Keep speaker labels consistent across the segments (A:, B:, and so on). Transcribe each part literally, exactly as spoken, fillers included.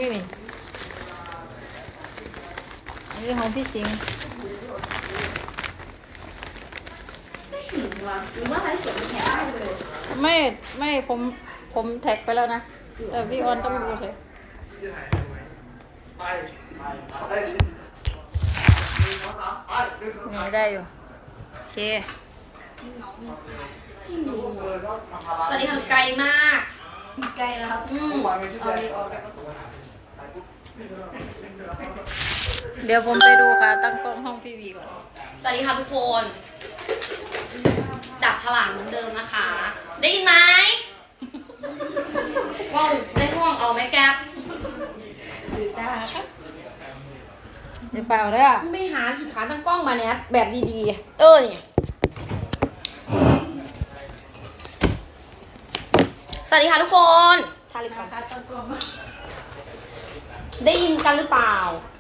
A: นี่นี่อันนี้ของพี่สิงห์
B: หรือว่าไลฟ์สดแท็กได้เลย
A: ไม่ไม่ผมผมแท็กไปแล้วนะแต่พี่ออนต้องดูเลยนี่ได้อยู่โอเค
B: สวัสดีค่ะไกลมากไกลแล้วครับอืมเอาเลยออกแบบ
A: เดี๋ยวผมไปดูค่ะตั้งกล้องห้องพี่วีก่อน
B: สวัสดีค่ะทุกคนจับฉลากเหมือนเดิมนะคะได้ยินไหมว้าวในห้องเอาไหมแก๊ปหรือได้ครับ
A: เดี๋ยวเปล่าเลยอ่ะ
B: ไม่หาขีดขาตั้งกล้องมาเนี่ยแบบดีๆเออเนี่ยสวัสดีค่ะทุกคนทาลิปก่อนได้ยินกันหรือเปล่า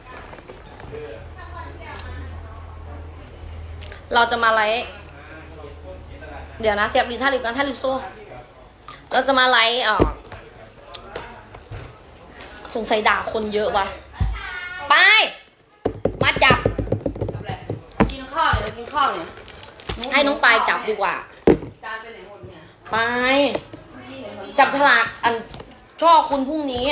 B: เราจะมาไลฟ์เดี๋ยวนะเทียบดีท่าลิปกันท่าลิปโซ่เราจะมาไลฟ์อ่ะสงสัยด่าคนเยอะว่ะไปมาจับกินข้าวเดี๋ยวกินข้าวเนี่ยให้น้องปายจับดีกว่าจานไปไหนหมดเนี่ยไปจับฉลากอันช่อคุณพรุ่งนี้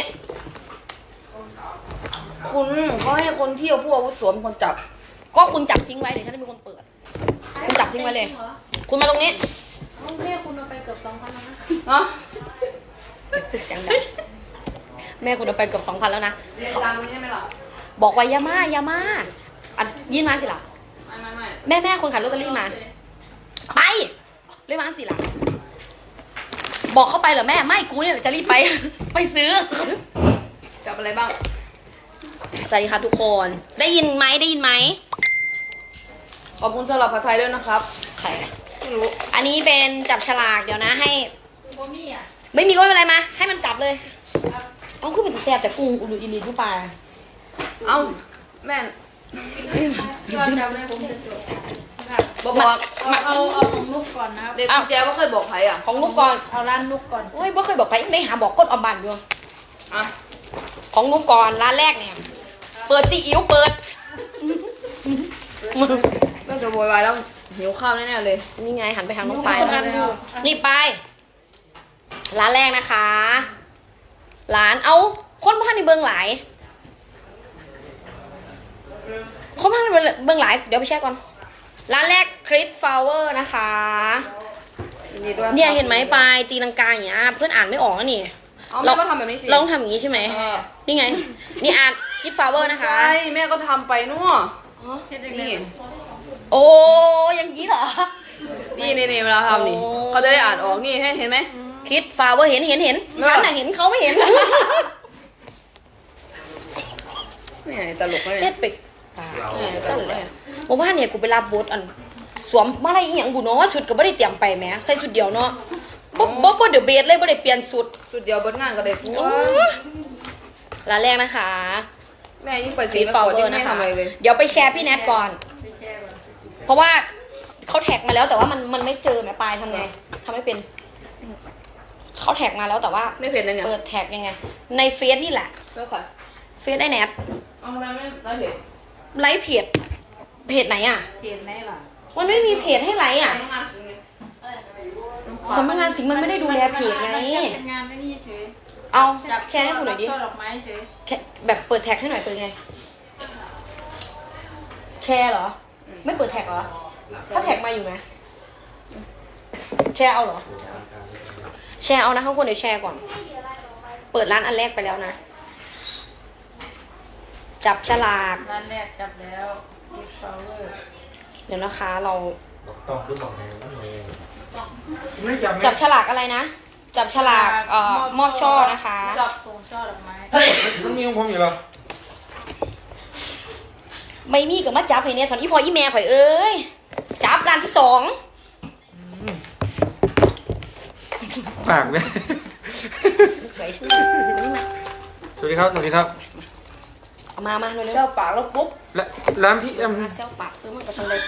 B: คุณเขาให้คนเที่ยวผู้อาวุโสเป็นคนจับก็คุณจับทิ้งไว้เดี๋ยวฉันจะเป็นคนเปิดคุณจับทิ้งไว้เลยคุณมาตรงนี้
A: ต้องเรียกคุณมาไปเกือบสองพันแล้วนะ
B: เนาะเสียงดังแม่คุณเอาไปเกือบสองพันแล้วนะเรียนดังไม่ใช่ไหมล่ะบอกว่ายาม่ายาม่าอันยื่นมาสิล่ะไม่ไม่ไม่แม่แม่คนขายลอตเตอรี่มาไปเรียกมาสิล่ะบอกเข้าไปเหรอแม่ไม่กูเนี่ยจะรีบไปไปซื้อจับอะไรบ้างสวัสดีค่ะทุกคนได้ยินไหมได้ยินไหมขอบคุณสำหรับผัดไทยด้วยนะครับใครไม่รู้อันนี้เป็นจับฉลากเดี๋ยวนะให้ไม่มีอ่ะไม่มีก็ไม่เป็นไรมาให้มันจับเลยเอาขึ้นเป็นแซ่บแต่กุ้งอุลุอิลีทุกปลาเอาแม่
A: ก็จับเลยผมจะจด
B: บอกบอก
A: เอาเอาของนุกก่อนนะครับ
B: เด็กกุญแจว่าเคยบอกใครอ่ะของนุกก่อน
A: เอาร้านนุกก่อน
B: โอ้ยว่าเคยบอกใครไม่หาบอกก้นอมบันอยู่อ่ะของนุกก่อนร้านแรกเนี่ยเปิดซีอิ๊วเปิดก็จะโวยวายแล้วหิวข้าวแน่ๆเลยนี่ไงหันไปทางน้องปายนี่ไปร้านแรกนะคะร้านเอาคนพันในเบื้องหลายคนพันในเบื้องหลายเดี๋ยวไปแช่ก่อนร้านแรกคริสฟลาวเวอร์นะคะเนี่ยเห็นไหมปลายตีลังกาอย่างเงี้ยเพื่อนอ่านไม่ออกนี่เราก็ทำแบบนี้สิลองทำอย่างนี้ใช่ไหมนี่ไงนี่อ่านคริสฟลาวเวอร์นะคะใช่แม่ก็ทำไปนู่นนี่โอ้ยังงี้เหรอนี่นี่นี่เวลาทำนี่เขาจะได้อ่านออกนี่เห็นไหมคิดฟาวเวอร์เห็นเห็นเห็นฉันน่ะเห็นเขาไม่เห็นไม่ตลกเลยเฮ็ดเป็กสั่นเลยบอกว่าเนี่ยกูไปรับบทอันสวมมาอะไรอีหยังบุเนาะชุดก็ไม่ได้เตรียมไปแม้ใส่ชุดเดียวเนาะบ๊อบบ๊อบเดี๋ยวเบสเลยไม่ได้เปลี่ยนชุดชุดเดียวบนงานก็ได้ปุ๊บร้านแรกนะคะแม่ยิ่งไปสีฟาวเวอร์นะคะเดี๋ยวไปแชร์พี่แนทก่อนเพราะว่าเขาแท็กมาแล้วแต่ว่ามันมันไม่เจอแม่ปลายทำไงทำไม่เป็นเขาแท็กมาแล้วแต่ว่าในเพจอะไรเนี่ยเปิดแท็กยังไงในเฟซนี่แหละเฟซไอแนทเอาทำไมไม่ไลฟ์เพจไลฟ์เพจเพจไหนอ่ะ
A: เพจไหนล่ะ
B: มันไม่มีเพจให้ไลฟ์อ่ะสำนักงานสิงห์มันไม่ได้ดูแลเพจไง
A: เป็นงานไม่นี่เฉย
B: เอาแชร์ให้กูหน่อยดิ
A: ช่อดอกไม้เฉย
B: แบบเปิดแท็กให้หน่อยเป็นไงแชร์เหรอไม่เปิดแท็กเหรอถ้าแท็กมาอยู่ไหมแชร์เอาเหรอแชร์เอานะข้างคนเดี๋ยวแชร์ก่อนเปิดร้านอันแรกไปแล้วนะจับฉลาก
A: ร้านแรกจับแล้วคิดฟลาวเวอร์
B: เดี๋ยวนะคะเรา
C: ต้องรู้บอกไงว่าไง
B: จับฉลากอะไรนะจับฉลากเอ่อมอบช่อนะคะ
A: จับส่งช่อดอกไม้
C: เฮ้ยต้องมีของผมอยู่หรอ
B: ไม่มีกับมาจับให้เนี่ยตอนนี้พออีแม่ข่อยเอ้ยจับร้านที่สอง
C: ปากเนี่ย
B: สวยใช่ไหมนี่มา
C: สวัสดีครับสวัสดีครับ
B: เอามามาเร็วๆเซลปากแล้วปุ๊บ
C: ร้านพี่เอ็ม
B: เซลปากเออมันก็ทำเลย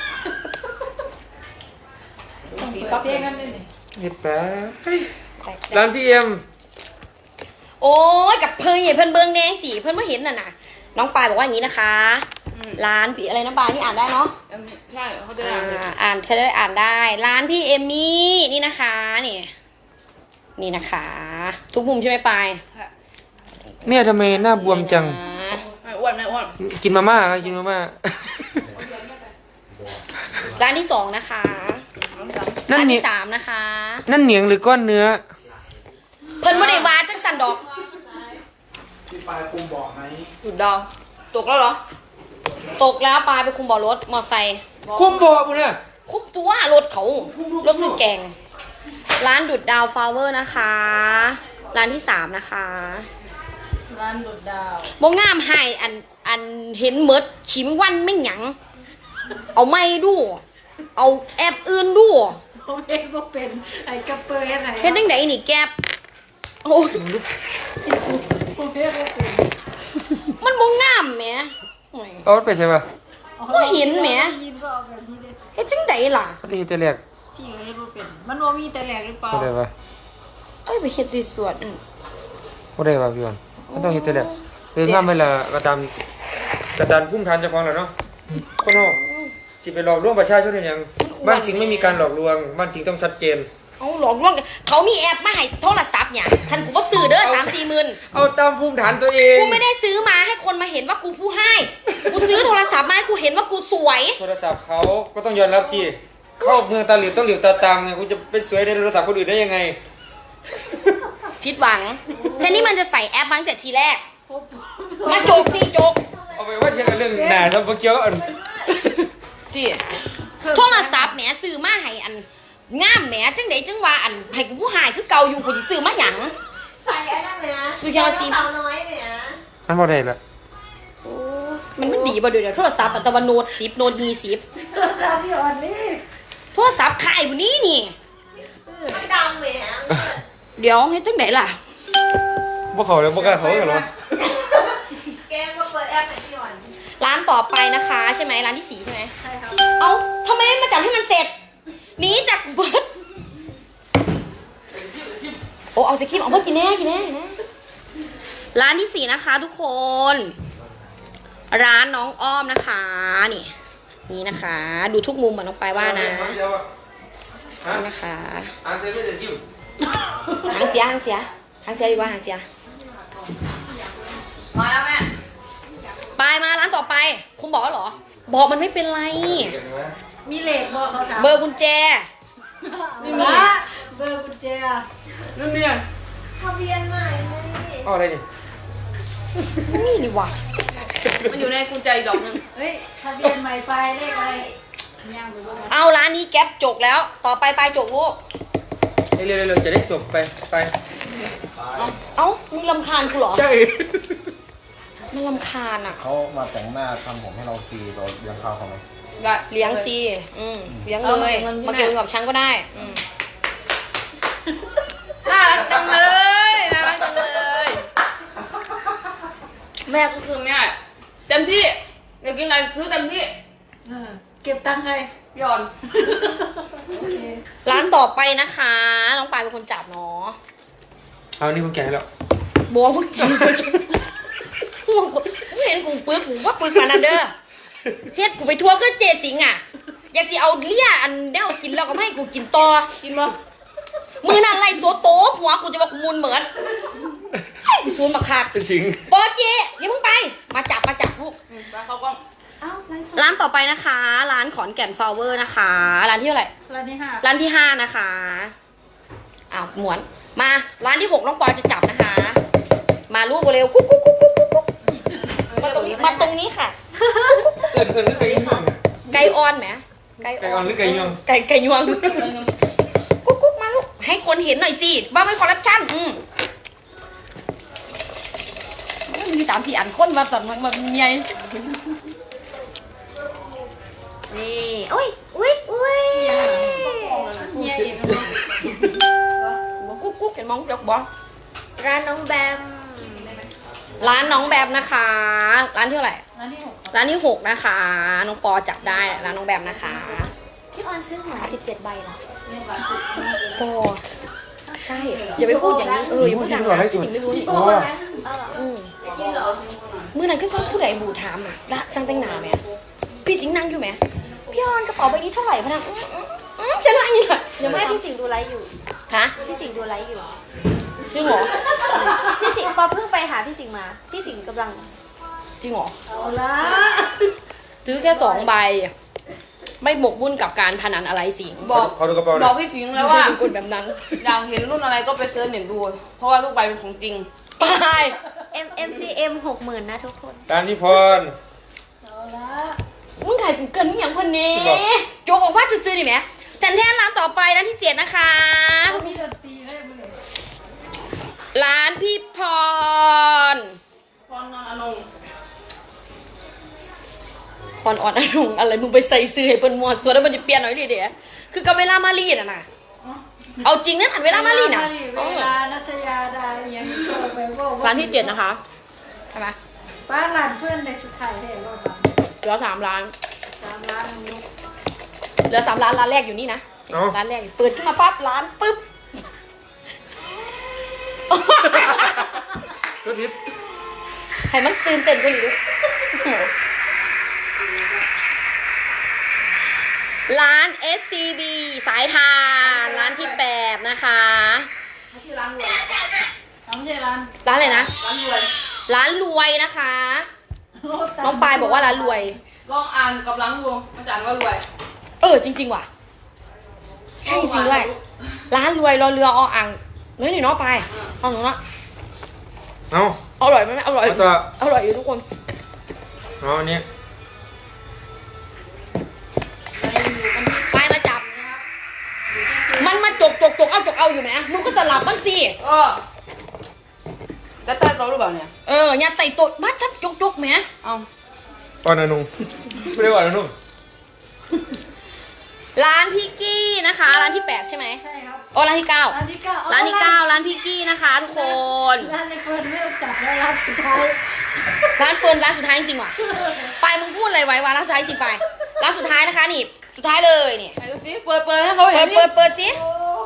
A: สีปั๊บเองกันเลยนี่
C: เห็ดแปะร้านพี่เอ็ม
B: โอ้ยกับเพื่อนเพื่อนเบิงแดงสีเพื่อนไม่เห็นน่ะนะน้องปายบอกว่าอย่างนี้นะคะ ร้านพี่อะไรน้องปายนี่อ่านได้เนาะ
D: ใช่เขาจะ
B: อ่
D: อ่าน
B: าอ่านเขาจะได้อ่านได้ ร้านพี่เอมมี่นี่นะคะนี่นี่นะคะ ทุกมุมใช่ไหมปาย
C: เนี่ยทำไมหน้าบวมจัง
B: นี่นะ
D: ไม่อ้วนไม่อ้วน
C: กินมาม่าครับกินมาม่า
B: ร้านที่สองนะคะ
C: นั่น
B: ร้าน
C: เหนีย
B: ที่สามนะคะ
C: นั่นเหนียงหรือก้อนเนื้อ
B: เพิ่นไม่ได้วาจังสันดอก
E: พี่ปลายคุมบอกไหม
B: หยุดดาวตกแล้วเหรอ ตกแล้วปลายไปคุมบ่อรถมอไซค์
C: คุ้มบอกกูเนี่ย
B: คุมตัวรถเขารถซื้อแกง ร้านดุดดาวฟลาเวอร์นะคะ ร้านที่สามนะคะ
A: ร้านดุดดาว
B: บ่งามให้อันอันเห็นเมดชิมวันไม่หยัง เอาไม่ดู เอาแอบอื่นดู
A: ผมเองก็เป็นไอ้กระเปรย์ไหน
B: เฮ็ดจังไดนี่แกบโอ้ย
A: ผมเองก็เป็น
B: มันบ่งามแหมโอ้ย
C: เอาไปใช่ปะ
B: บ่เห็นแหม
A: ยินก็เอาแบบนี้เลย
B: เฮ็ดจังไดล่ะ
C: นี่แต่แรก
A: ที่เฮ็ดบ่เป็น มันว่ามีแต่แหลกหรือเปล่า
C: บ่ได้ปะ
B: เอ้ยไปเฮ็ดที่สวนอืม
C: บ่ได้ปะพี่วันมันต้องเฮ็ดแต่แรกเอองามไปละกระตามกระตานพุ่มทานเจ้าของแหละเนาะคนเฮาสิไปหลอกลวงประชาชนได้หยังบ้านจริงไม่มีการหลอกลวงบ้านจริงต้องชัดเจน
B: เอาหลอกลวงกันเขามีแอปมาให้โทรศัพท์เนี่ยคันกูบ่ซื้อเด้อ 3-4หมื่น
C: เอาตามภูมิฐานตัวเอง
B: กูไม่ได้ซื้อมาให้คนมาเห็นว่ากูผู้ให้ กูซื้อโทรศัพท์มาให้กูเห็นว่ากูสวย
C: โทรศัพท์เขาก็ต้องยอมรับสิเข้าเมืองตาหลิวต้องหลิวตาตามไงกูจะไปสวยในโทรศัพท์คนอื่นได้ยังไง
B: ผิดหวังแทนที่มันจะใส่แอปมาตั้งแต่ทีแรก มาโจกสิโจก
C: เอาไปว่าเทียงกันเรื่องหนาทำเมื่อกี้อัน
B: ที่โทรศัพท์แหมซื้อมาให้อันงามแหมจังไดจังว่าอันให้กูผู้ให้คือเก่าอยู่กูสิซื้อมาหยัง
F: ใส่อันนั้นไหมนะ
B: สุยาซี
F: สาวน้อยไหมนะ
C: มันบ่ได้ละ
B: มันมันดีบ่เดี๋ยวเดี๋ยวโทรศัพท์อันตะวันโนดสิบโนดยี่สิบ
A: ชาพี่อ่อนนี่
B: โทรศัพท์ขายวันนี้นี่
F: ดำไหมนะ
B: เดี๋ยวให้จังไดล่ะ
C: บ่เขาเลยบ่กล้าเขากันหรอ
F: แกมาเปิดแอปไหนพี่อ่อน
B: ร้านต่อไปนะคะใช่ไหมร้านที่สี่ใช่ไหม
A: ใช่ครับ
B: เอ้าทำไมไม่มาจับให้มันเสร็จหนีจากเบิร์ดโอ้เอาสิครีมเอาเพื่อกินแน่กินแน่กินแน่ร้านที่สี่นะคะทุกคน ร้านน้องอ้อมนะคะ นี่ นี่นะคะ ดูทุกมุมเหมือนน้องปายว่านะนี่นะคะ
C: อ่านเซเว่นจะยิ้ม
B: หางเสียหางเสียหางเสียดีกว่าหางเสีย
D: มาแล้วแม่
B: ไปมาร้านต่อไป คุณบอกแล้วเหรอ บอกมันไม่เป็นไร
A: มีเหล็กบ่เขาถาม
B: เบอร์กุญแจ
A: ไม่มีเบอร์กุญแจ
D: นั่นเมีย
F: ทะเบียนใหม่ไหม
C: เอาอะไรนี่
B: นี่นี่วะ
D: มันอยู่ในกุญแจอีกดอกหนึง
A: เฮ้ยทะเบียนใหม่ไปเลขอะไรย่างดูว่า
B: เอาร้านนี้แก๊ปจกแล้ว ต่อไปไปจกลูก
C: เร็วๆเร็วๆจะได้จบไปไป
B: เอ้ามึงลำคาญกูเหรอ
C: ใช่
B: มันลำคาญอ่ะ
E: เขามาแต่งหน้าทำผมให้เราฟรีเราเลี้ยงข้าวเขาไหม
D: ได้
B: เลี้ยงซีอืมเลี้ยง
D: เอา
B: เล
D: มาย เก็บเงินที่
B: มาเก็บ
D: แม่
B: เงินกับฉันก็ได้ อืม
D: น่ารักจังเลยน่ารักจังเลย แม่ก็คือแม่เต็มที่อยากกินอะไรซื้อเต็มที่
A: เออเก็บตังค์ให้
D: หย่อน
A: โอเค
B: ร้านต่อไปนะคะ น้องปายเป็นคนจับเนาะ
C: เอานี่ผมแกะให้แล้ว
B: บัวเมื่อกี้กูกูเห็นกูปึกกูว่าปึกมานันเด้อเฮ็ดกูไปทัวร์ก็เจสิงอ่ะ อยากสิเอาเลี่ยอันเด้วกินแล้วก็ไม่ให้กูกินต่อ
D: กินบ่
B: มือนั่นไล่โซโตะหัวกูจะว่ากูมุนเหมือนให้กูซูนมาคัก
C: เป็นสิง
B: ปอเจอย่าเพิ่งไป มาจับมาจับลูก
D: อืมแล้วเขาก็
A: อ้าวไลฟ์สด
B: ร้านต่อไปนะคะ ร้านขอนแก่นฟลาวเวอร์นะคะ ร้านที่เท่าไหร่
A: ร้านที่ห้า
B: ร้านที่ห้านะคะอ้าวหมวน มาร้านที่หกน้องปอยจะจับนะคะ มาลูกเร็วกุ๊กกุ๊กกุ๊กกุ๊กกุ๊กมาตรงนี้มาตรงนี้ค่ะ
C: เอิญเอิญหรือไก่ย่วง
B: ไก่ออนไหมไก่
C: ไก่อ่อนหรือไก่ย่วง
B: ไก่ไก่ยวงกุ๊กกุ๊กมาลูกให้คนเห็นหน่อยสิว่าไม่คอร์รัปชันอืมมีสามสี่อันคนมาสั่นมาเมีย
F: นี่อุ้ยอุ้ยอุ้ย
A: เนี่ยอีก
B: บอกกุ๊กกุ๊กเห็นมองจกบอ
F: ร้านน้องแบม
B: ร้านน้องแบบนะคะ ร้านที่เท่าไหร่
A: ร้านที่หก
B: ร้านที่หกนะคะ น้องปอจับได้ร้านน้องแบบนะคะ
F: พี่ออนซื้อหวยสิบเจ็ดใบเหรอ
B: ปอใช่อย่าไปพูดอย่างนี้เอออย่าพูดดังนะพี่สิงไม่รู้นี่
C: โอ้
B: อืมเมื่อนั้นก็ซ้อนผู้ใดบูถามอ่ะละช่างแต่งหน้าไหมพี่สิงนั่งอยู่ไหมพี่ออนกระเป๋าใบนี้เท่าไหร่พนักอืมอืมอืมจะนั่งอยู่เหรอ
F: เดี๋ยวแม่พี่สิงห์ดูไลฟ์อยู่
B: ฮะ
F: พี่สิงห์ดูไลฟ์อยู่
B: จริงเหรอ
F: พี่สิงห์ปอเพิ่งไปหาพี่สิงห์มา พี่สิงห์กำลัง
B: จริงเหรอ
A: เอาละ
B: ซื้อแค่สองใบ ไม่หมกมุ่นกับการพนันอะไรสิง
D: บอก
C: ขอดูกระเป๋าห
D: บ
C: น่
D: อ
C: อก ย
D: พี่สิงห์แล้วว่า
B: เป็นคนแบบนั้น
D: อยากเห็นรุ่นอะไรก็ไปเซิร์ชเน็ตดู เพราะว่าทุกใบเป็นของจริง
B: ไป
F: M M C M หกหมื่นนะทุกคน
C: ร้านนิพนธ์
A: เอาละ
B: มึงถ่ายกูเกินมึงอย่างคนนี้
C: ที่บอก
B: โจบอกว่าจะซื้อดิแหมแทนแทนร้านต่อไปร้านที่เจ็ดนะคะ
A: มีดนตรีให้มึงเลย
B: ร้านพี่พร
D: พรนอนอนง
B: พรอ่อนอรุณอะไรมึงไปใส่ซื้อให้เปิ้นมวดส่วนแล้วมันจะเปลี่ยนหน่อยดิเดี๋ยวคือกับเวลามารีดอ่ะนะเอาจริงนั่นอันเวลามารีดน่ะ
A: เวลานัชยาดาเอียงก็ไปบอก
B: ร้านที่เจ็ดนะคะใช่ไหม
A: ป้าหลานเพื่อนในสุดท้ายเห็นรอบหลัง
B: เหลือสามร้าน
A: สามล้านนุก
B: เหลือสามร้านร้านแรกอยู่นี่นะร้านแรกอยู่เปิดขึ้นมาปั๊บร้านปุ๊บ
C: ก็ทิศ
B: ให้มันตื่นเต้นกว่านี้ดูร้าน เอส ซี บี สายทานร้านที่แปดนะคะ
D: ชื่อร้านรวย
A: ทำใช่ร้าน
B: ร้านอะไรนะ
D: ร้านรวย
B: ร้านรวยนะคะ น้องปายบอกว่าร้านรวย
D: ลองอ่านกับร้านรวงมันจะอ่านว่ารวย
B: เออจริงๆว่ะ ใช่จริงด้วย ร้านรวยรอเรือออ่างเฮ้ยนี่เน้องปายเอาหนูเนาะ
C: เอา
B: อร่อยไหมอร่อย
C: เอาตัว
B: อร่อยอยู่ทุกคน
C: เอาอันนี้
B: ไปมาจับ มันมาจกจกจกเอาจกเอาอยู่ไหมมึงก็จะหลับบ้างสิ
D: เออแล้วใต้โต๊ะหรือเปล่าเนี่ย
B: เอออย่าใส่ตัวมาทับจกจกไหม
D: เอา
C: อ่อนอนุ่งไม่ได้อ่อนอนุ่ง
B: ร้านพี่กี้นะคะ ร้านที่แปดใช่ไหม
A: ใช่ครับ
B: โอ้ร้านที่เก้า
A: ร้านที่เก้า
B: ร้านที่เก้าร้านพี่กี้นะคะทุกคน
A: ร้านในเฟิร์นไม่ต้องจับแล้วร้านสุดท้าย
B: ร้านเฟิร์นร้านสุดท้ายจริงๆว่ะไปมึงพูดอะไรไว้วะร้านสุดท้ายจริงไปร้านสุดท้ายนะคะนี่สุดท้ายเลยนี่
D: ไหนดูสิเปิดเปิดให้เขา
B: เปิ
D: เห็
B: ด
D: นดิ
B: เปิดเปิดสิ
A: โอ้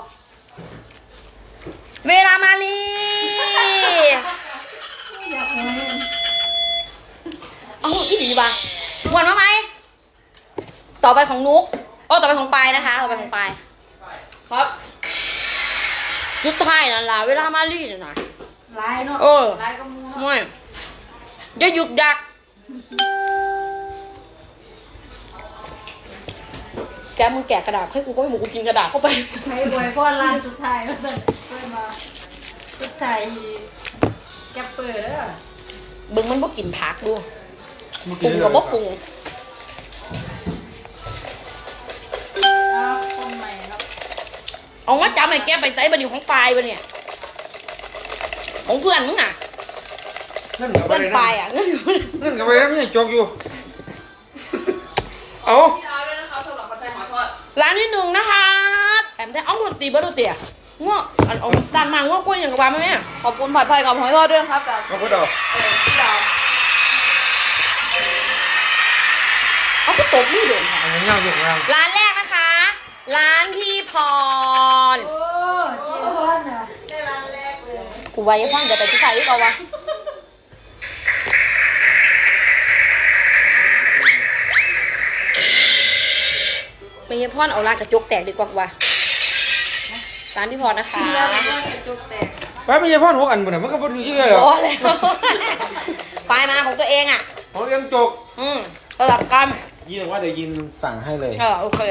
B: เวลามาลี
A: อยากเห็น
B: เอาอีหลีป่ะหวนมาไหมต่อไปของนุ๊กโอ้ต่อไปของปายนะคะต่อไปของปาย
D: ครับ
B: สุดท้ายนั่นล่ะเวลามาลีน่ะนะ
A: ลายเนาะ
B: เออ
A: ลายกระมูเนาะ
B: ไม่จะหยุดยักแกมึงแกะกระดาษให้กูก็ไม่หมูกูกินกระดาษเข้าไป
A: ใครบ่อยพ่อร้านสุดท้ายก็สั่นเพื่อนมาสุดท้ายแกเปิดแล้ว
B: เบึงมันบ่กินผักดูปรุงกับบ่ปรุง
A: อ้าวคนใหม่ครับ
B: เอามาจำไอ้แกไปใจบันอยู่ของปลายบันเนี่ยของเพื่อนมึงอ่ะ
C: เงื่อนกับไป
B: เพื่อน
C: เลย
B: ปลาย
C: นะ
B: อ่ะเงินอยู่
C: เงื่อนกับไปแล้วไม่ยังจกอยู่ เอา
D: พี่อาร์ด้วยนะครับสำหรับผัดไทยหอยทอด
B: ร้านที่หนึ่งนะคะแถมแท้เอาหมดตีเบอร์ตัวเตี๋ยง้ออันเอาด้านมาง้อกล้วยอย่างกับว่าไหมแม่
D: ขอบคุณผัดไทยกับหอยทอดด้วยนะครับจาก
C: เอาคนเดอก
D: เออพี่ดาว
B: เอาก็ตบมือโดนค่ะ
C: อันนี้ย่างอยู่ข้างล่าง
B: ร้านแรกนะคะ ร้านพี่พร
A: โอ้เจียอนอ่ะ
B: กูไว้ยังฟังเดี๋ยวไปที่ใส่ที่เราวะไม่ยพ่อนเอาลากกระจกแตกดีกว่าว่ะร้านพี่พรนะคะ
C: ไปไม่ใช่พ่อหกอันบุญน่ะมันก็บ่ถือเยอะเลยเหร
B: พ
C: อ
B: อแล้วไปมาของตัวเองอ่ะ
C: เขาเลี้ยงจก
B: อืมระดับกัน
E: ยินว่าเดี๋ยวยินสั่งให้เลย
B: เออโอเค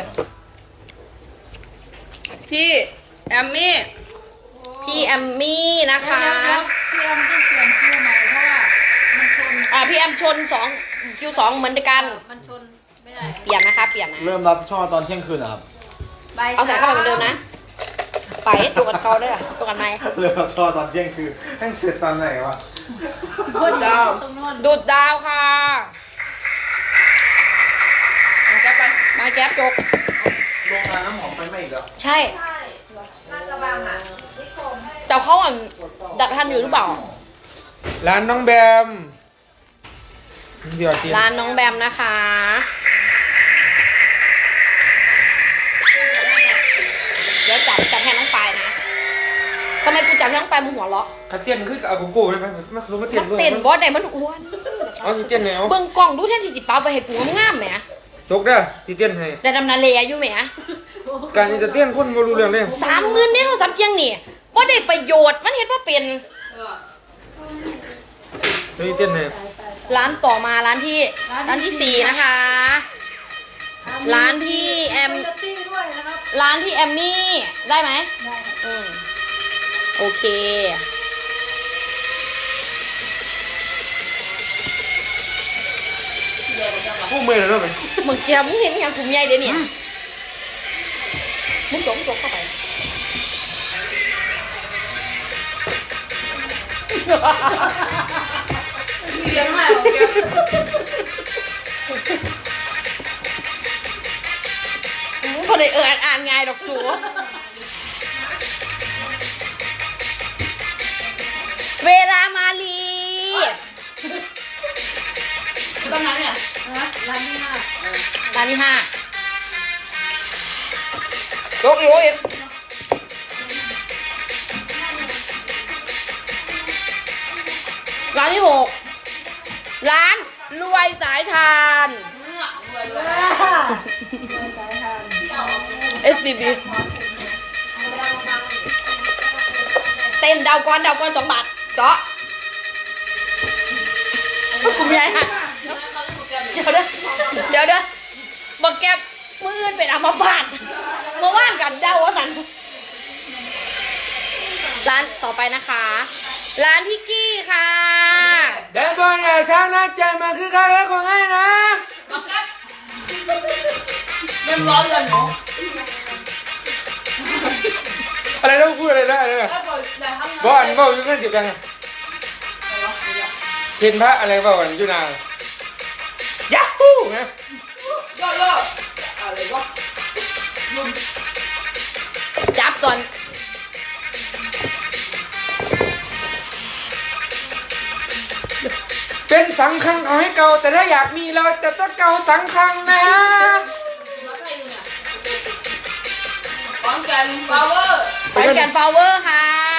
D: พี่แอมมี่
B: พี่แอมมี่นะคะ
A: พี่แอมต้องเปลี่ยนคิวใหม่เพราะว่ามันชน
B: อ่าพี่แอมชนสองคิวสองเหมือนกัน
A: มันชนไม่ได้
B: เปลี่ยนนะคะ เปลี่ยนนะ
E: เริ่มรับช่อตอนเที่ยงคืนนะครับ
B: เอาใส่เข้าไปเหมือนเดิมนะ ไปตัวกันเกาด้วยล่ะตัวกันไหม
E: เริ่มรับช่อตอนเที่ยงคืนแม่งเสร็จตอนไหนวะ
A: คนดาวตรงโน้น
B: ดูดดาวค่ะ
D: เอาแก๊ปไป
B: มาแก๊ปจก
E: โรงงานน้ำหอมไฟไหม้อีกแล้ว
B: ใช่แต่เขาอ่ะดับทันอยู่หรือเปล่า
C: ร้านน้องแบมเดี๋ยวกิน
B: ร้านน้องแบมนะคะ เดี๋ยวจับจับแทนน้องปายนะทำไมกูจับช่างไปมึงหัวเราะ
C: ขัดเตี้ยนคือเอาโกโก้ได้ไหมมาลงมาเตี้ย
B: มัน น
C: ด้วย
B: เต้นบอสไหนมันอ้วน
C: เอาสิเตี้ยนแนว
B: เบิ่งกล่องดูแทนที่จิเปาไปให้กูงามๆแหม
C: จกได้สิเตี้ยนให้
B: ได้ดำนาเลอยู่แหม
C: การจะเตี้ยนคนบ่รู้เรื่องเลย
B: สามหมื่นเนี่ยเขาสับเจียงนี่บ่ได้ประโยชน์มันเห็นว่าเป็น
C: นี่เตี้ยนให้
B: ร้านต่อมาร้านที่ร้านที่สี่นะคะ ร้านที่แอม
A: โคโยตี้ด้วยนะครับ
B: ร้านที่แอมมี่ได้ไหม
A: ได้
B: อืมโอเค
C: ผู้เมื่อยแล้วเนาะไป
B: มึงแกมึงเห็นอย่างกลุ่มใหญ่เดี๋ยวนี้มึงจกมึงจกเข้าไป
D: มีเลี้ยงใหม่ของแก
B: มึงพอได้เอออ่านง่ายดอกสูเวลามาลี
D: ตอนนั้นเนี่ย
A: นะร้านนี้มาก
B: ร้านที่ห้าโยกอีกโยกอีกร้านที่หกร้านรวยสายทาน
A: สายทาน
B: เอสซีบีเต้นดาวก้อนดาวก้อนสองบาทเจาะกลุ่มใหญ่ฮะเดี๋ยวเด้อเดี๋ยวเด้อบอกแกมืออื่นเป็นอัมพาตเมื่อวานกันเดาวสันร้านต่อไปนะคะ ร้านพี่กี้ค่ะ
C: แดนบอลอย่าช้านะใจมาคือใครแล้วของให้นะ
D: เริ่มร้อนเลยเนาะ
C: อะไรต้องพูดอะไรได้เลย
D: ถ้าบอกอย่าทำนะ
C: บอลบอกอยู่นั่นจิบยังเห็นพระอะไรบอกกันอยู่นานยักฮู้ไง
D: ย่อย่ออะไรวะ
B: จับก่อน
C: เป็นสังคังเอาให้เก่าแต่ถ้าอยากมีเราจะต้องเก่าสังคังนะ
D: ขอนแก่นฟลาวเวอร์
B: ไปแกนฟลาวเวอร์ค่ะ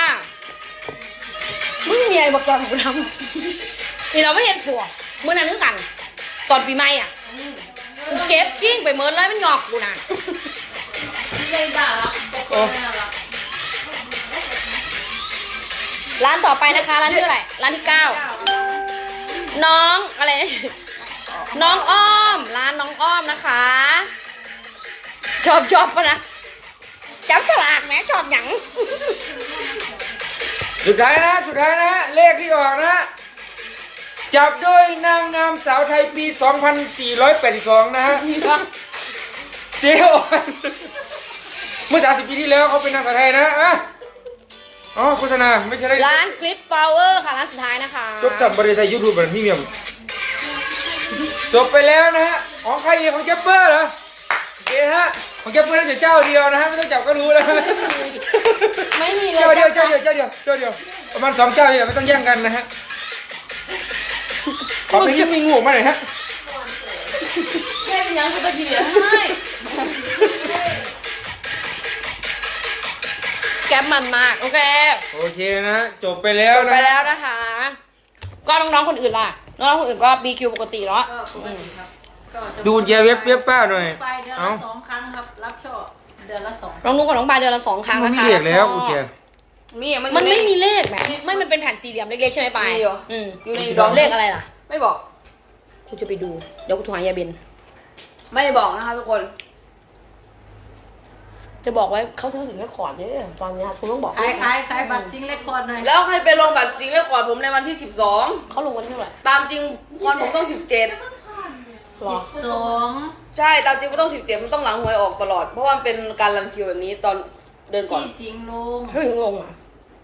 B: มึงมีอะไรบอกก่อนกูทำนี่เราไม่เห็นผัวเมื่อนั้นนึกกันตอนปีใหม่อ่ะกูเก็บกิ้งไปเมินเลยมันหงอกกูน่ะ
D: เล่นด่าละโอ้ไม่ละ
B: ร้านต่อไปนะคะร้านที่เท่าไหร่ร้านที่เก้าน้องอะไรนะน้องอ้อมร้านน้องอ้อมนะคะชอบชอบปะนะจับฉลากแหมชอบหยัง
C: สุดท้ายนะสุดท้ายนะเลขที่ออกนะจับด้วยนางงามสาวไทยปี สองพันสี่ร้อยแปดสิบสอง นะฮะเจ๊ออนเมื่อสามสิบปีที่แล้วเขาเป็นนางสาวไทยนะอ่ะอ๋อโฆษณาไม่ใช่ได้
B: ร้านคลิปฟลาวเวอร์ค่ะร้านสุดท้ายนะคะ
C: จบสับบริษัทยูทูบแบบพรีเมียมจบไปแล้วนะฮะของใครอีกของเจปเปอร์เหรอโอเคฮะของเจปเปอร์น่าจะเจ้าเดียวนะฮะไม่ต้องจับก็รู้แล้ว
B: ไม่มีเลย
C: เจ้าเดียวเจ้าเดียวเจ้าเดียวเจ้าเดียวประมาณสองเจ้าเนี่ยไม่ต้องแย่งกันนะฮะขอเป็นที่มีงูออกมาหน่อยฮะ
D: เล่นยังกูจะกินเหลือให้
B: แก๊ปมันมากโอเค
C: โอเคนะฮะจบไปแล้ว
B: จบ
C: นะ
B: ไปแล้วนะคะ ก็น้องๆคนอื่นล่ะน้องๆคนอื่นก็ บี คิว ปกติเนาะ
A: ก็ปกติครับก็จะ
C: ดูเจเว็บเว็บป้าหน่อย
A: ไปเดือน
C: เอ้า
A: ละสองครั้งครับ รับช่อเดือนละสอง
B: น้องนุ๊กกับน้องปายเดือนละสองครั้ง
C: มัน
B: นะคะ
C: มีเรียกแล้วกูเจ
D: มีมัน
B: มันไม่มีเลขแหมไม่มันเป็นแผ่นสี่เหลี่ยมเล็กๆใช่ไหมปาย
D: มีเหรอ
B: อืม
D: อยู่ใน
B: ดอกเลขอะไรล่ะ
D: ไม่บอก
B: กูจะไปดูเดี๋ยวกูโทรหายายเบน
D: ไม่บอกนะคะทุกคน
B: จะบอกไว้เขาซื้อสิงห์ขอดเยอะตอนนี้คุณต้องบอก
A: ขายขายขายบัตรซิงค์เลคคอร์ดหน่อย
D: แล้วใครไปลงบัตรจริงเลขขอดผมในวันที่สิบสอง
B: เขาลงวันที่เท่าไหร่
D: ตามจริงคอนผมต้องสิบเจ็ด
B: หรอ
A: สอง
D: ใช่ตามจริงมันต้องสิบเจ็ดมันต้องหลังหวยออกตลอด เพราะว่ามันเป็นการรันคิวแบบนี้ตอนเดินก่อน
A: ที่สิงห์ลง
B: เขาถึงลงอ่ะ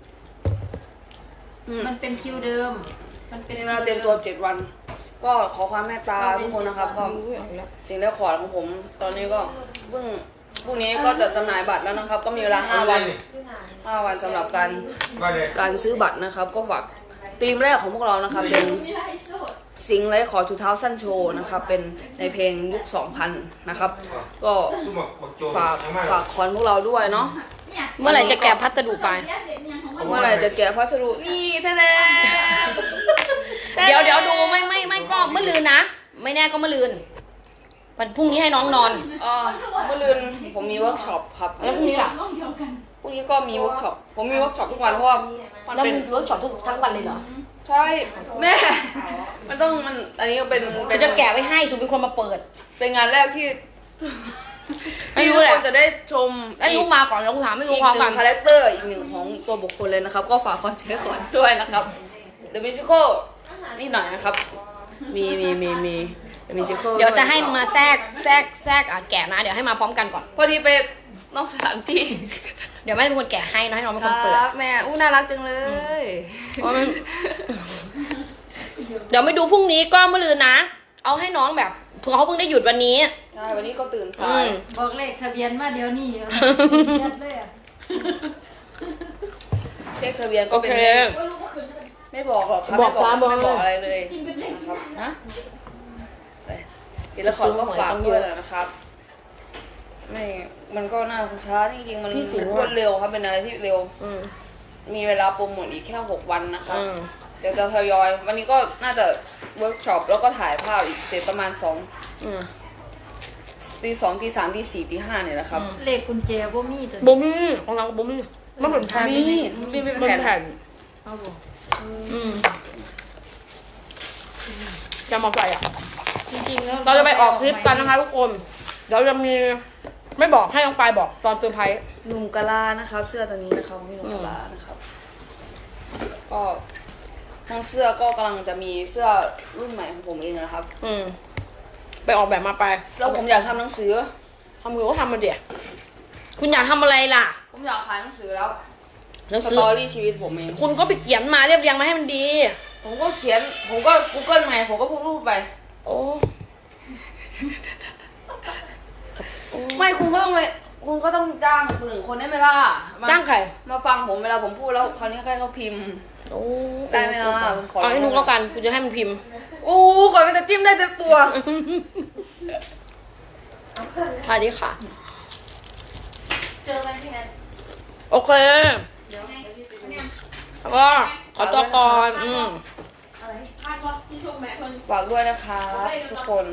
A: มันเป็นคิวเดิม มันเป็น
D: เป็นเวลาเต็มตัวเจ็ดวัน ก็ขอความเมตตาทุกคนนะครับก็สิ่งเลขขอดของผม ตอนนี้ก็เพิ่งพรุ่งนี้ก็จะจำหน่ายบัตรแล้วนะครับ ก็มีเวลาห้าวันห้าวันสำหรับการ
C: มาเลย
D: การซื้อบัตรนะครับ ก็ฝากทีมแรกของพวกเรานะครับเป็นเซสิงห์เลยขอชูเท้าสั้นโชว์นะครับเป็นในเพลงยุค สองพัน นะครับ ก็ฝากฝากคอนพวกเราด้วยเนาะ
B: เมื่อไหร่จะแกะพัสดุไป
D: เมื่อไหร่จะแกะพัสดุนี่แท้
B: เดี๋ยวเดี๋ยวดูไม่ไม่ไม่ก็เมื่อลืนนะ ไม่แน่ก็เมื่อลืนวันพรุ่งนี้ให้น้องนอน
D: ๆอ่าเมื่อลืนผมมีเวิร์กช็อปครับ
B: แล้วพรุ่งนี้ล่ะ
D: พรุ่งนี้ก็มีเวิร์กช็อปผมมีเวิร์กช็อปทุกวันเพราะว่ามัน
B: เรา
D: เป็น
B: มีเวิร์กช็อปทุกทั้งวันเลยเหรอ
D: ใช่แม่ มันต้องมันอันนี้ก็เป็น
B: เราจะแกะไว้ให้ถูกเป็นคนมาเปิด
D: เป็นงานแรกที่
B: ไม่รู้แหละ
D: ที่ทุกคนจะได้ชม
B: ไอ้ลูกมาก่อนแล้วกูถามไม่รู้
D: อีก
B: พร้อม
D: ห
B: กั
D: นึ่
B: น
D: งคาแรคเตอร์อีกหนึ่งของตัวบุคคลเลยนะครับ ก็ฝากคอนเทนต์ก่อนด้วยนะครับ The Musical นี่หน่อยนะครับ มีมีมีมี The Musical
B: เดี๋ยวจะให้มาแทรกแทรกแทรกอ่ะแกะนะ เดี๋ยวให้มาพร้อมกันก่อน
D: พอดีไปนอกสถานที่
B: เดี๋ยวแม่เป็นคนแกะให้นะให้น้องเป็น
D: ค
B: คนเปิด
D: รับแม่อู้น่ารักจังเลย
B: เพราะมัน เดี๋ยวไม่ดูพรุ่งนี้ก็เมื่อลืนนะ เอาให้น้องแบบเผื่อเขาเพิ่งได้หยุดวันนี้
D: ใช่วันนี้ก็ตื่น
B: อื
D: สาย
B: ม
A: บอกเลขทะเบียนมาเดี๋ยวนี้ชัดเลยอ่ะ
D: เลขทะเบียนก็
B: โอ
D: เป็น
B: เค
D: เลขไม่บอกหรอกครับ
B: บอก
D: ไม่
B: ครับ
D: ไม่
B: บบ อ
D: อก กอะไรเลยนะครับฮะศิลปะก็ฝากด้วยนะครับ ไม่มันก็น่าช้าจริงๆมันรวดเร็วครับเป็นอะไรที่เร็ว
B: อืม
D: มีเวลาโปรโมทอีกแค่หกวันนะครับ
B: อืม
D: เดี๋ยวจะทยอย วันนี้ก็น่าจะเวิร์กช็อปแล้วก็ถ่ายภาพอีกเสร็จประมาณสอง
B: อืม
D: ตีสองตีสามตีสี่ตีห้าเนี่ยนะครับ
A: เลขกุญแจบ่มีตัว
B: บุ้มของเราบุ้มมันเหมือนแผ่น
D: มีมีเป็น
B: มัน
D: แผ่น
B: แผ่น
A: เอาบ่
B: อืมจะมาใส่อ่ะ
A: จริงๆแล้ว
B: เราจะไปออกทริปกันนะคะทุกคน เดี๋ยวจะมีไม่บอกให้น้องปายบอกตอนเซอร์ไพรส์
D: หนุ่มกะลานะครับ เสื้อตัวนี้นะครับพี่หนุ่มกะลานะครับ ก็ทั้งเสื้อก็กำลังจะมีเสื้อรุ่นใหม่ของผมเองนะครับ
B: อืม ไปออกแบบมาไป
D: แล้วผมอยากทำหนังสือ
B: ทำหรือว่าทำมาเดี๋ยวคุณอยากทำอะไรล่ะ
D: ผมอยากขายหนังสือแล้ว
B: หนัง
D: ส
B: สือ
D: ตอรี่ชีวิตผมเอง
B: คุณก็ไปเขียนมาเรียบเรียงมาให้มันดี
D: ผมก็เขียน ผมก็ Google ไงผมก็พูดรูปไป
B: โอ้
D: ไม่คุณก็ต้องไปคุณก็ต้องจ้างคนหนึ่งคนได้ไหมล่ะม
B: จ้างใคร
D: มาฟังผมเวลาผมพูดแล้วคราวนี้ใครเขาพิมพ์
B: โอ้
D: ได้ไหมล่ะผมขอ
B: เอาให้นุ๊กแล้วกันคุณจะให้มันพิมพ์
D: อู้ก่อนมันจะจิ้มได้เต็มตัว
B: สวัสดีค่ะ
F: เจอไหมพี่แนท
B: โอเคแล้วก็ขอตัวก่อนอืม
D: ฝากด้วยนะครับทุกคน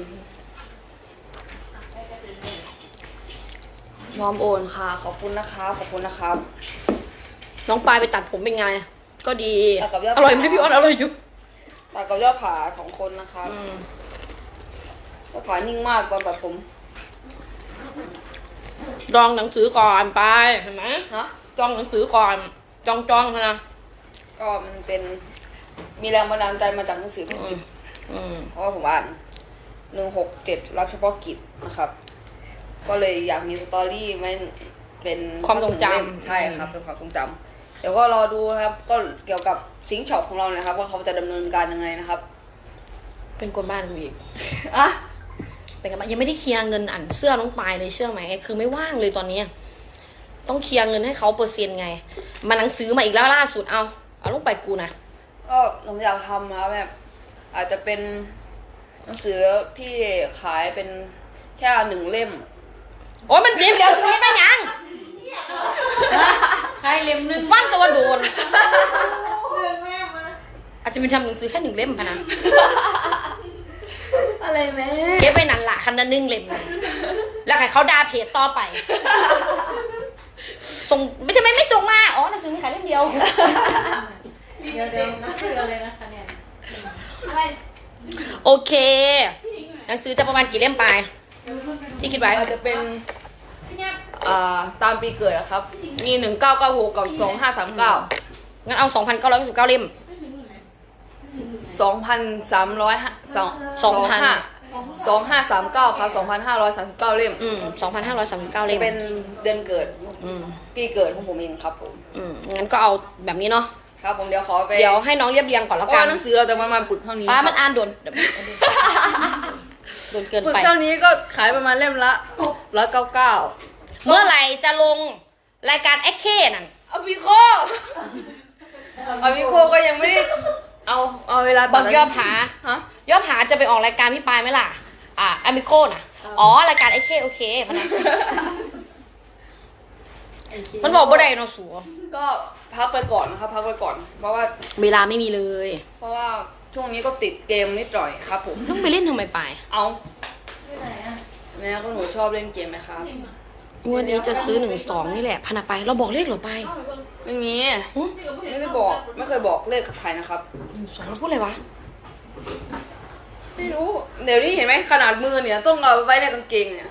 D: พร้อมโอนค่ะ ขอบคุณนะครับขอบคุณนะครับ
B: น้องปายไปตัดผมเป็นไง ก็ดี
D: ตัดกับยอด
B: อร่อยไหมพี่อ้อนอร่อยอยู่
D: ตากับยอดผาสองคนนะครับ
B: อืม
D: ยอดผานิ่งมากตอนตัดผม
B: ดองหนังสือก่อนไปเห็นไหม
D: ฮะ
B: จองหนังสือก่อนจองจองนะ
D: ก็มันเป็นมีแรงบันดาลใจมาจากหนังสือพิม
B: อืม
D: พ์
B: อืม
D: เพราะว่าผมอ่านหนึ่งหกเจ็ดรับเฉพาะกิจนะครับ ก็เลยอยากมีสตอรี่ไว้เป็น
B: ความทรงจ
D: เล่มใช่ครับเป็นความทรงจำเดี๋ยวก็รอดูนะครับ ก็เกี่ยวกับซิงช็อปของเรานะครับ ว่าเขาจะดำเนินการยังไงนะครับ
B: เป็นคนบ้านกูอีก
D: อ่ะ
B: เป็นกันบ้านยังไม่ได้เคลียร์เงินอันเสื้อน้องปายเลยเชื่อไหมคือไม่ว่างเลยตอนนี้ ต้องเคลียร์เงินให้เขาเปอร์เซ็นต์ไง มาหนังสือมาอีกแล้วล่าสุดเอาเอาลงไปกูนะ
D: ก็ผมอยากทำนะครับแบบอาจจะเป็นหนังสือที่ขายเป็นแค่หนึ่งเล่ม
B: โอ้ยมันเดี๋ยวเดี๋ยวจะให้มายัง
A: ใครเล่มหนึง
B: ฟันตัวโดน
A: เรื่องแม่มานะ
B: อาจจะมีทำหนังสือแค่หนึ่งเล่มพะนะ
D: อะไรแม่
B: เก็บไปนั่นละคันละหนึ่งเล่มนะแล้วใครเขาด่าเพจต่อไป ส่งไม่ใช่ไม่ไม่ส่งมาอ๋อหนังสือมีขายเล่มเดียว
A: เดี๋ยวเดี๋ยวนักเสือเลยนะคะเนี่ย
B: โอเค หนังสือจะประมาณกี่เล่มไปที่คิดไว้
D: อาจจะเป็นอ่าตามปีเกิดนะครับ มีหนึ่งเก้าเก้าหกกับสองห้าสามเก้า
B: งั้นเอาสองพันเก้าร้อยสิบเก้าเล่ม
D: สองพันสามร้อยสอง
B: สองพัน
D: ห้าสองห้าสามเก้าครับสองพันห้าร้อยสามสิบเก้าเล่ม
B: อืมสองพันห้าร้อยสามสิบเก้าเล่ม
D: เป็นเดือนเกิด
B: อืม
D: ปีเกิดของผมเองครับผม
B: อืมงั้นก็เอาแบบนี้เนาะ
D: ครับผมเดี๋ยวขอไป
B: เดี๋ยวให้น้องเรียบเรียงก่อน
D: เพ
B: แล้ว
D: ราะ
B: กั
D: ว่าน หนังสือเราจะประมาณปึกเท่านี้
B: ป้ามัน
D: ครับ
B: อ่านโดนโดนเกิน
D: ปึก
B: ไป
D: เท่านี้ก็ขายประมาณเล่มละร้อยเก้าเก้า
B: เมื่อไหร่จะลงรายการแอคเคนั่น
D: อพิโคอพิโคก็ยังไม่ได้เอาเอาเวลา
B: บอกย่อผา
D: ฮะ
B: ย่อผาจะไปออกรายการพี่ปายไหมล่ะ อ่าอเมโคน่ะ อ๋อ รายการไอเคโอเคมันนะมันบอกบ่ได้เนาะสัว
D: ก็พักไปก่อนนะครับพักไปก่อน เพราะว่า
B: เวลาไม่มีเลย
D: เพราะว่าช่วงนี้ก็ติดเกมนิดหน่อยครับผม
B: ต้องไปเล่นทำไมปาย
D: เอา
A: ที่ไหนอ่ะ
D: แม่ก็หนูชอบเล่นเกมไหมครับ
B: วันนี้จะซื้อหนึ่งสองนี่แหละพนักไปเราบอกเลขเหรอไป
D: ไม่มีไม่ได้บอกไม่เคยบอกเลขกับใครนะครับ
B: หนึ่งสองเราพูดอะไรวะ
D: ไม่รู้ เดี๋ยวนี้เห็นไหมขนาดมือเนี่ยต้องเอาไว้ในกางเกงเนี่ย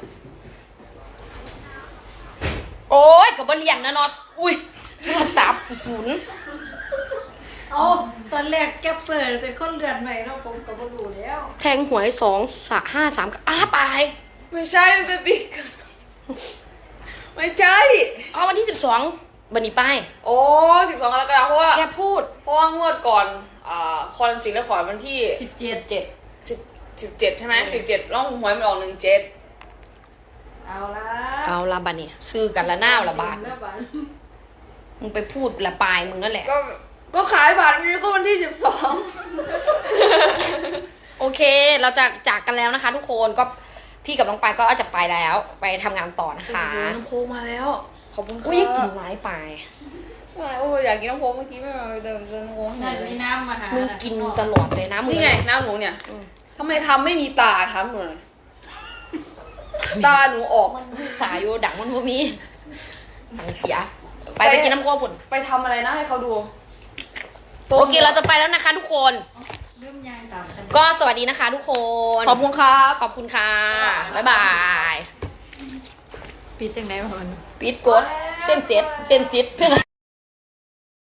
B: โอ้ยกับบเรียนนะน็อตอุ้ยโทรศัพท์ศูนย์
A: เอาตอนแรกแกเปิดเป็นคนเลือนใหม่เนาะผมก็บ่รู้แล้ว
B: แทงหวยสองสะห้าสามอ้าไป
D: ไม่ใช่มันเป็นปีกไม่ใช่
B: เอาวันที่สิบสองบันนี้ไป
D: โอ้สิบสองกรกฎาคมเพราะว่า
B: แกพูด
D: เพราะว่างวดก่อนอ่าคอนสิงห์และขอนวันที่
A: สิบเจ็ด
B: เจ็ด
D: สิบสิบเจ็ดใช่ไหมสิบเจ็ดร่องหวยมันออกหนึ่งเจ็ด
A: เอาละ
B: เอาละบันนี้ซื้อกันละหน้าละบาท
A: แล้วบาท
B: มึงไปพูดละปลายมึงนั่นแหละ
D: ก็ก็ขายบัตรนี่ก็วันที่สิบสอง
B: โอเค เราจะจากกันแล้วนะคะ ทุกคนก็พี่กับน้องปายก็จะไปแล้ว ไปทำงานต่อนะคะ
D: น้ำโพมาแล้ว ขอบคุณค่ะ
B: อุ้ยกินไม้ปลาย
D: ไม่โอ้ยอยากกินน้ำโพเมื่อกี้ไม่มาเดินเดินน้ำโพ
A: นั่นมีน้ำมาหา
B: มึ
A: มึ
B: งกินตลอดเลยนะมึง
D: นี่ไงน้ำหนูเนี่ย
B: อืม
D: ทำไมทำไม่มีตาทำหนูหน่อยตาหนูออก
B: สายโยดังมันบ่มีดังเสีย ไปไปกินน้ำโค้กผล
D: ไปทำอะไรนะให้เขาดู
B: โอเคเราจะไปแล้วนะคะทุกคน
A: เริ่มยางตามกัน
B: ก็สวัสดีนะคะทุกคน
D: ขอบคุณครับ
B: ขอบคุณค่ะ บ๊ายบาย
A: ปิดจังไหนวะมัน
B: ปิดกดเส้นเซ็ตเส้นซิดเพื่อน